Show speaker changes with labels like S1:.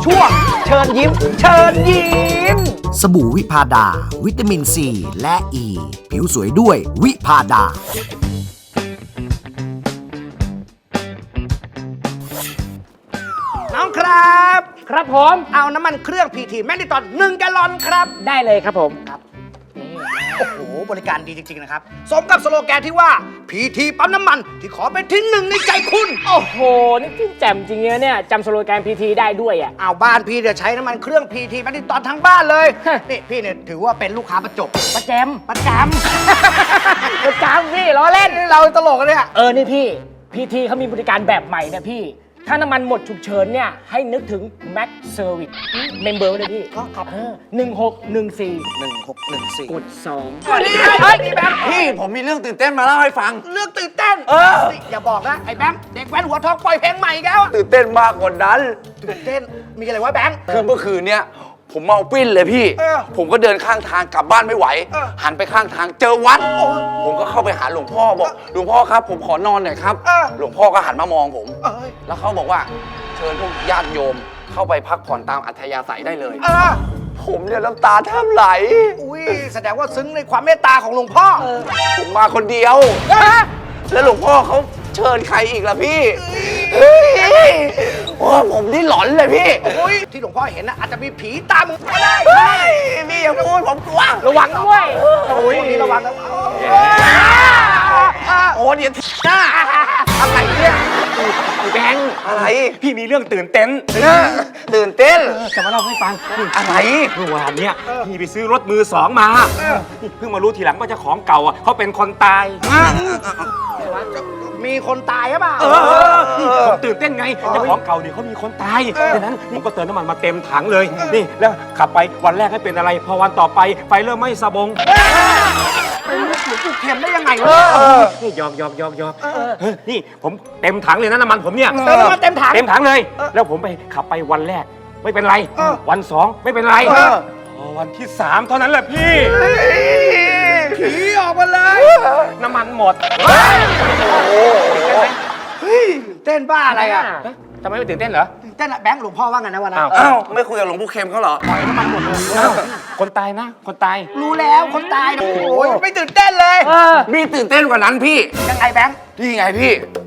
S1: ช่วงเชิญยิ้ม เชิญยิ้ม
S2: สบู่วิพาดา วิตามินซีและอ e. ีผิวสวยด้วยวิพาดา
S1: น้องครับ
S3: ครับผม
S1: เอาน้ำมันเครื่องพีทีแมกนิตอน1 แกลลอนครับ
S3: ได้เลยครับผม
S1: โอ้โห บริการดีจริง ๆ นะครับ สมกับสโลแกนที่ว่าพีทีปั๊มน้ำมันที่ขอเป็นที่หนึ่งในใจคุณ
S3: โอ้โห นี่พี่แจ่มจริงๆเนี่ยจำสโลแกนพีทีได้ด้วยอ่ะ
S1: เอาบ้านพี่เนี่ยใช้น้ำมันเครื่องพีทีแมกนิตอนทั้งบ้านเลย
S3: ฮะ
S1: นี่พี่เนี่ยถือว่าเป็นลูกค้าประจบ
S3: ประแจม
S1: ประจ
S3: ประจำพี่ล้อเล่น
S1: ำ เราตลกกันเนี่ย
S3: นี่พี่พีทีเขามีบริการแบบใหม่นะพี่ ถ้าน้ำมันหมดฉุกเฉินเนี่ย ให้นึกถึง Max Service เมมเบอร์เลยพี่
S1: ครับ
S3: 1614
S1: 1614
S3: กด 2
S1: เฮ้ยนี่แบงค์
S4: พี่ผมมีเรื่องตื่นเต้นมาเล่าให้ฟัง
S1: เรื่องตื่นเต้นนี่อย่าบอกนะ ไอ้แบงค์เด็กแว้นหัวทองปล่อยเพลงใหม่อีกแล้วอะ
S4: ตื่นเต้นมากกว่านั้น
S1: ตื่นเต้น มีอะไรวะแบงค์
S4: คือเมื่อคืนเนี้ยผมเมาปิ้นเลยพี่ ผมก็เดินข้างทางกลับบ้านไม่ไหว หันไปข้างทางเจอวัด ผมก็เข้าไปหาหลวงพ่อบอกหลวงพ่อครับ ผมขอนอนหน่อยครับ หลวงพ่อก็หันมามองผม
S1: เอ้ย
S4: แล้วเขาบอกว่าเชิญพวกญาติโยมเข้าไปพักผ่อนตามอัธยาศัยได้เลย ผมเนี่ยน้ำตาแทบไหล
S1: อุ้ยแสดงว่าซึ้งในความเมตตาของหลวงพ่อ
S4: ผมมาคนเดียว แล้วหลวงพ่อเขาเชิญใครอีกล่ะพี่เฮ้ยโอ้ผมนี่หลอนเลยพี่
S1: อุ้ยที่หลวงพ่อเห็นนะอาจจะมีผีตามมึงก็ได้
S4: เฮ้ยพี่อย่าพูดผมกลัว
S3: ระวังด้วย
S1: โอ้ยนี่ระวังนะ
S4: โอ้เดี๋ยวหน้าอะไรเนี่ยแบงค์อะไร
S5: พี่มีเรื่องตื่นเต้น
S4: ตื่นเต้น
S5: จะมาเล่าให้ฟัง
S4: อะไร
S5: เมื่อวานเนี้ยพี่ไปซื้อรถมือสองมาเพิ่งมารู้ทีหลังว่าเจ้าของเก่าอ่ะเขาเป็นคนตาย
S1: มีคนตายหรือเปล่า
S5: ผมตื่นเต้นไงเจ้าของเก่าเนี่ยเขามีคนตายดังนั้นผมก็เติมน้ำมันมาเต็มถังเลยนี่แล้วขับไปวันแรกให้เป็นอะไรพอวันต่อไปไฟเริ่มไหม้สะบง
S1: เข็มได้ยังไงวะ
S5: นี่หยอกนี่ผมเต็มถังเลยนะน้ำมันผมเนี่ย
S1: เติมน้ำมันเต็มถัง
S5: เต็มถังเลย แล้วผมไปขับไปวันแรกไม่เป็นไร วันสองไม่เป็นไรพอวันที่สามเท่านั้นแหละพี่
S1: ผีออกมาเลย
S5: น้ำมันหมด
S1: เต้นบ้าอะไรอ่ะ
S5: ทำไมไม่ตื่นเต้นเหรอ
S1: เต้นอะแบงค์หลวงพ่อว่าไงนะวันนั้น
S5: อ้าว
S4: อ้าวไม่คุยกับหลวงปู่เข็มเขาเหรอ
S5: อ้าวคนตายนะ คนตาย
S1: รู้แล้วคนตายนะโอ้ยไม่ตื่นเต้นเลย
S4: มีตื่นเต้นกว่านั้นพี่
S1: ยังไงแบงค์
S4: นี่ไงพี่